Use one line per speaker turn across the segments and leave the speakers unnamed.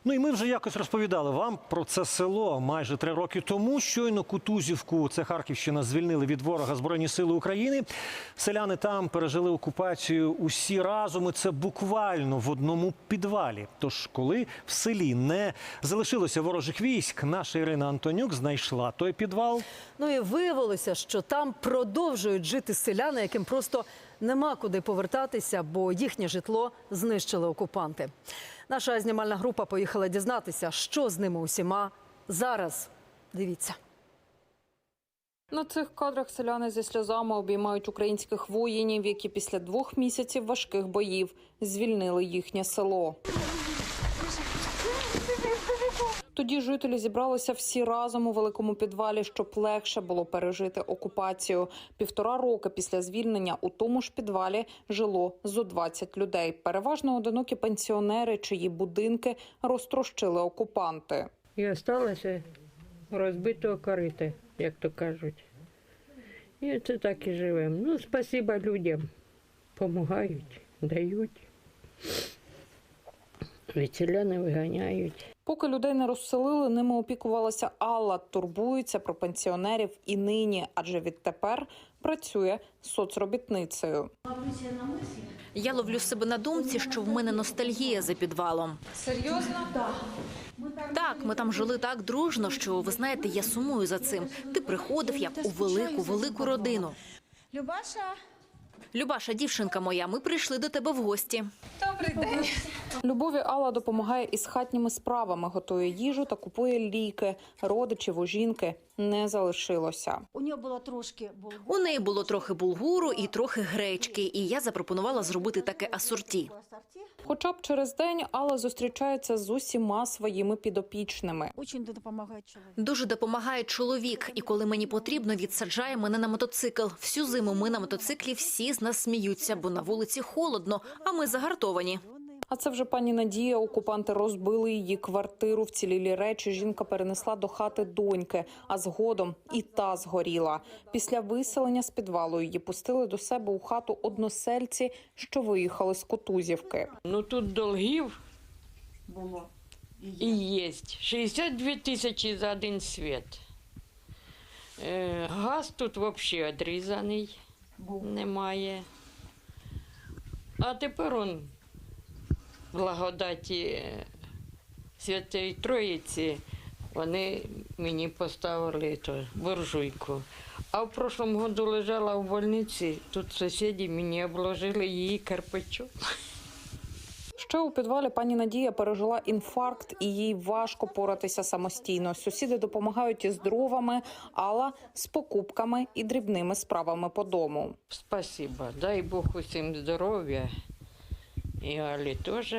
Ну і ми вже якось розповідали вам про це село майже 3 роки тому. Щойно Кутузівку, це Харківщина, звільнили від ворога Збройні сили України. Селяни там пережили окупацію усі разом, і це буквально в одному підвалі. Тож, коли в селі не залишилося ворожих військ, наша Ірина Антонюк знайшла той підвал.
Ну і виявилося, що там продовжують жити селяни, яким просто нема куди повертатися, бо їхнє житло знищили окупанти. Наша знімальна група поїхала дізнатися, що з ними усіма зараз. Дивіться.
На цих кадрах селяни зі сльозами обіймають українських воїнів, які після 2 місяців важких боїв звільнили їхнє село. Тоді жителі зібралися всі разом у великому підвалі, щоб легше було пережити окупацію. 1,5 роки після звільнення у тому ж підвалі жило зо 20 людей. Переважно одинокі пенсіонери, чиї будинки розтрощили окупанти.
І залишилося розбитого корита, як то кажуть. І це так і живемо. Ну, спасибо людям. Помагають, дають. Від селяни виганяють.
Поки людей не розселили, ними опікувалася Алла. Турбується про пенсіонерів і нині, адже відтепер працює соцробітницею.
Я ловлю себе на думці, що в мене ностальгія за підвалом.
Серйозно?
Так, ми там жили так дружно, що, ви знаєте, я сумую за цим. Ти приходив, як у велику родину. Любаша, дівчинка моя, ми прийшли до тебе в гості.
Любові Алла допомагає із хатніми справами, готує їжу та купує ліки. Родичів у жінки не залишилося.
У неї було трохи булгуру і трохи гречки, і я запропонувала зробити таке асорті.
Хоча б через день Алла зустрічається з усіма своїми підопічними.
Дуже допомагає чоловік, і коли мені потрібно, відсаджає мене на мотоцикл. Всю зиму ми на мотоциклі, всі з нас сміються, бо на вулиці холодно, а ми загартовані.
А це вже пані Надія. Окупанти розбили її квартиру, вцілілі речі жінка перенесла до хати доньки, а згодом і та згоріла. Після виселення з підвалу її пустили до себе у хату односельці, що виїхали з Кутузівки.
Ну тут долгів і є. 62 тисячі за один світ. Газ тут взагалі відрізаний, немає. А тепер он благодаті Святої Троїці, вони мені поставили буржуйку. А в прошлому году лежала в больниці, тут сусіди мені обложили її кирпичом.
Ще у підвалі пані Надія пережила інфаркт, і їй важко поратися самостійно. Сусіди допомагають із дровами, Алла – з покупками і дрібними справами по дому.
Спасибо, дай Бог усім здоров'я. І Алі теж,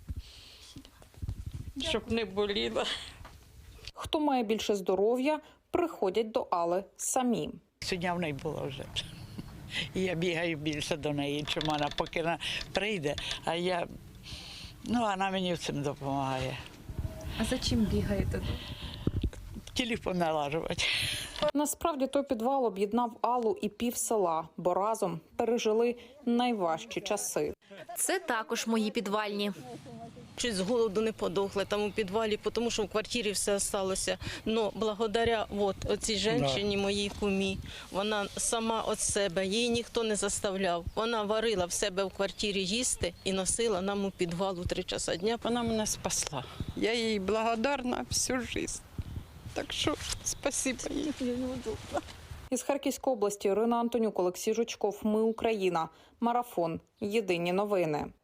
щоб не боліло.
Хто має більше здоров'я, приходять до Алли самі.
Сьогодні в неї була вже. І я бігаю більше до неї, чим вона, поки вона прийде, а я, вона мені в цьому допомагає.
А за чим бігаєте?
Телефон налажувати.
Насправді той підвал об'єднав Аллу і пів села, бо разом пережили найважчі часи.
Це також мої підвальні.
Чуть з голоду не подохли там у підвалі, тому що в квартирі все залишилося. Но благодаря оцій жінці, моїй кумі, вона сама від себе, її ніхто не заставляв. Вона варила в себе в квартирі їсти і носила нам у підвал у 3 часа дня.
Вона мене спасла. Я їй благодарна всю життя. Так що спасибо їй.
Із Харківської області Ірина Антонюк, Олексій Жучков. Ми Україна. Марафон. Єдині новини.